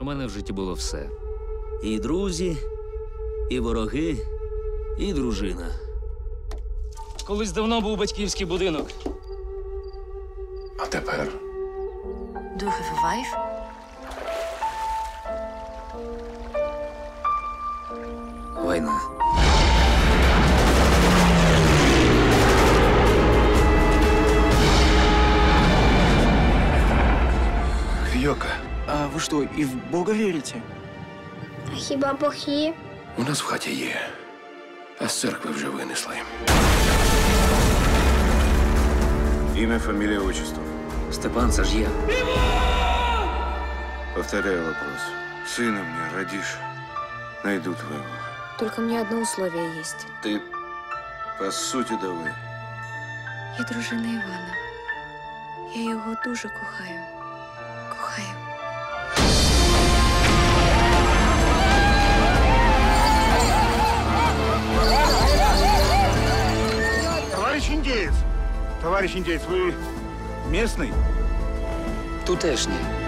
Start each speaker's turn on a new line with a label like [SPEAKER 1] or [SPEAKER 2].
[SPEAKER 1] У мене в житті було все.
[SPEAKER 2] І друзі, і вороги, і дружина.
[SPEAKER 3] Колись давно був батьківський будинок.
[SPEAKER 4] А тепер?
[SPEAKER 5] Do you have a wife?
[SPEAKER 2] Війна.
[SPEAKER 4] Йока,
[SPEAKER 6] А вы что, и в Бога верите?
[SPEAKER 7] А хіба Бог є?
[SPEAKER 4] у нас в хаті є, а з церкви вже винесли.
[SPEAKER 8] Имя, фамилия, отчество.
[SPEAKER 2] Степан, це ж я.
[SPEAKER 8] Повторяю вопрос. Сына мне родишь, найду твоего.
[SPEAKER 5] Только мне одно условие есть.
[SPEAKER 8] Ты, по сути, давай.
[SPEAKER 5] Я дружина Івана. Я його дуже кохаю. Кохаю.
[SPEAKER 9] Товарищ индеец, вы местный?
[SPEAKER 3] Тутешній.